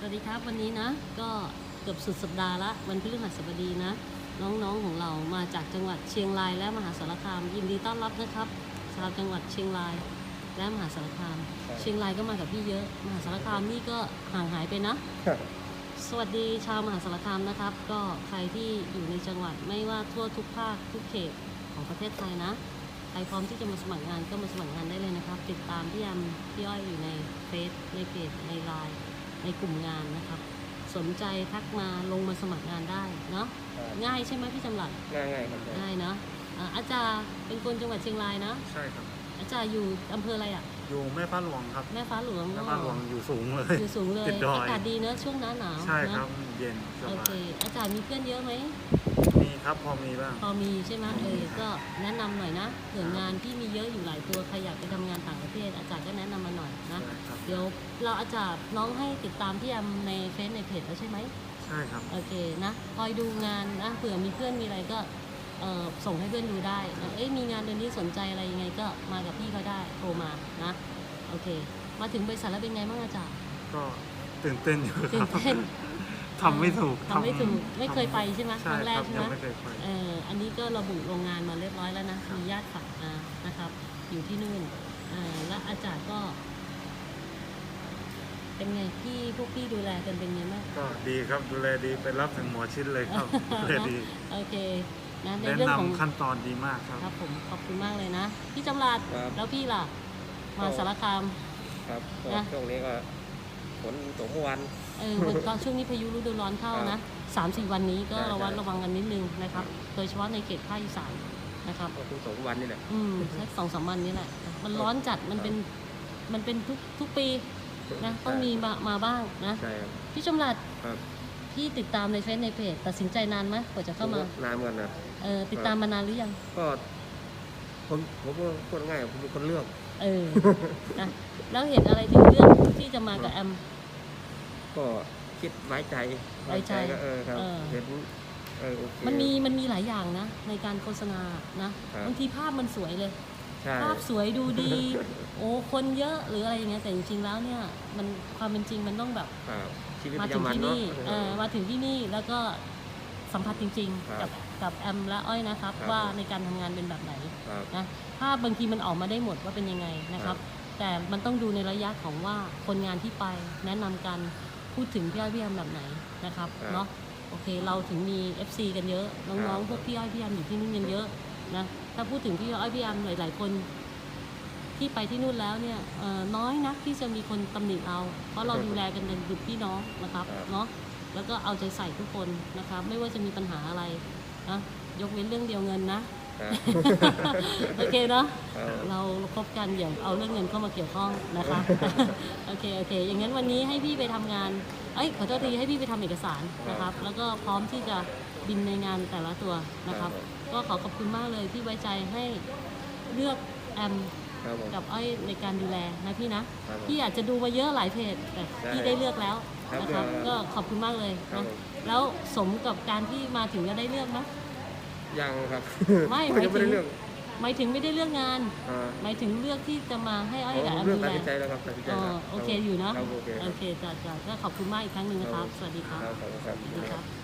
วัสดีครับวันนี้นะก็เกือบสุดสัปดาห์ละวันพฤหัสบดีนะน้องๆของเรามาจากจังหวัดเชียงรายและมหาสารคามยินดีต้อนรับนะครับชาวจังหวัดเชียงรายและมหาสารคามเชียงรายก็มากับพี่เยอะมหาสารคามนี่ก็ห่างหายไปนะสวัสดีชาวมหาสารคามนะครับก็ใครที่อยู่ในจังหวัดไม่ว่าทั่วทุกภาคทุกเขตของประเทศไทยนะใครพร้อมที่จะมาสมัครงานก็มาสมัครงานได้เลยนะครับติดตามพี่ยำพี่อ้อยอยู่ในเฟซในเพจในไลน์ในกลุ่มงานนะครับสนใจทักมาลงมาสมัครงานได้เนาะง่ายใช่ไหมพี่จำหลัดง่ายครับง่ายเนาะอาจารย์เป็นคนจังหวัดเชียงรายนะใช่ครับอาจารย์อยู่อำเภออะไรอ่ะอยู่แม่ฟ้าหลวงครับแม่ฟ้าหลวงแม่ฟ้าหลวงอยู่สูงเลยอยู่สูงเลยติดดอยอากาศดีเนอะช่วงหน้าหนาวใช่ครับเย็นสบายโอเคอาจารย์มีเพื่อนเยอะไหมมีครับพอมีบ้างพอมีใช่ไหมก็แนะนำหน่อยนะเผื่องานที่มีเยอะอยู่หลายตัวใครอยากไปทำงานต่างประเทศอาจารย์ก็แนะนำมาหน่อยนะเดี๋ยวเราอาจารย์น้องให้ติดตามพี่ยำในเฟซในเพจแล้วใช่ไหมใช่ครับโอเคนะคอยดูงานนะเผื่อมีเพื่อนมีอะไรก็ส่งให้เพื่อนดูได้นะมีงานเดือนนี้สนใจอะไรยังไงก็มากับพี่เขาได้โทรมานะโอเคมาถึงบริษัทแล้วเป็นไงบ้างอาจารย์ก็ตื่นเต้นอยู่ตื่นเต้นทำไม่ถูกไม่เคยไปใช่ไหมครั้งแรกใช่ไหมไม่เคยไปอันนี้ก็ระบุโรงงานมาเรียบร้อยแล้วนะมีญาติฝากมานะครับอยู่ที่นู่นและอาจารย์ก็เป็นไงพวกพี่ดูแลกันเป็นไงบ้างก็ดีครับดูแลดีไปรับถึงหมอชิดเลยครับดูแลดีโอเคนะในแนะเรื่องของนำขั้นตอนดีมากครับครับผมขอบคุณมากเลยนะพี่จำรัดแล้วพี่ล่ะมาสารคามครับช่วงนี้ก็ฝนตกเมื่อวันตอนช่วงนี้พายุฤดูร้อนเข้านะ3-4 วันนี้ก็ระวังกันนิดนึงนะครับโดยเฉพาะในเขตภาคอีสานนะครับก็คือ2 วันนี่แหละสัก2-3 วันนี้แหละมันร้อนจัดมันเป็นทุกปีนะต้องมีมาบ้างนะพี่จำรัดพี่ติดตามในเฟซในเพจตัดสินใจนานไหมกว่าจะเข้ามานานเหมือนกันนะติดตามมานานหรือยังก็ผมพูดง่ายผมเป็นคนเลือกนะแล้วเห็นอะไรถึงเรื่องที่จะมากับแอมก็คิดไว้ใจก็ครับเห็นมันมีหลายอย่างนะในการโฆษณานะบางทีภาพมันสวยเลยภาพสวยดูดีโอ้คนเยอะหรืออะไรอย่างเงี้ยแต่จริงๆแล้วเนี่ยมันความเป็นจริงมันต้องแบบมาถึงที่นี่มาถึงที่นี่แล้วก็สัมผัสจริงๆกับแอมและอ้อยนะครับว่าในการทำงานเป็นแบบไหนนะภาพบางทีมันออกมาได้หมดว่าเป็นยังไงนะครับแต่มันต้องดูในระยะของว่าคนงานที่ไปแนะนำกันพูดถึงพี่อ้อยพี่แอมแบบไหนนะครับเนาะโอเคเราถึงมี FC กันเยอะน้องๆพวกพี่อ้อยพี่แอมอยู่ที่นู่นกันเยอะนะถ้าพูดถึงพี่อ้อยพี่แอมหลายๆคนที่ไปที่นู่นแล้วเนี่ยน้อยนักที่จะมีคนตำหนิเราเพราะเราดูแลกันเป็นดุจพี่น้องนะครับเนาะแล้วก็เอาใจใส่ทุกคนนะครับไม่ว่าจะมีปัญหาอะไรนะยกเว้นเรื่องเดียวเงินนะโอเคเนาะเราคบกันอย่าเอาเรื่องเงินเข้ามาเกี่ยวข้องนะคะโอเคอย่างนั้นวันนี้ให้พี่ไปทำงานขอโทษทีให้พี่ไปทำเอกสารนะครับแล้วก็พร้อมที่จะบินในงานแต่ละตัวนะครับก็ขอบคุณมากเลยที่ไว้ใจให้เลือกแอมกับอ้อยในการดูแลนะพี่นะพี่อาจจะดูมาเยอะหลายเพจแต่พี่ได้เลือกแล้วนะครับก็ขอบคุณมากเลยนะแล้วสมกับการที่มาถึงจะได้เลือกไหมยังครับไม่หมายถึงไม่ได้เลือกงานหมายถึงเลือกที่จะมาให้อ้อยกับแอมดูแลโอเคอยู่นะโอเคจ้ะก็ขอบคุณมากอีกครั้งหนึ่งนะครับสวัสดีครับ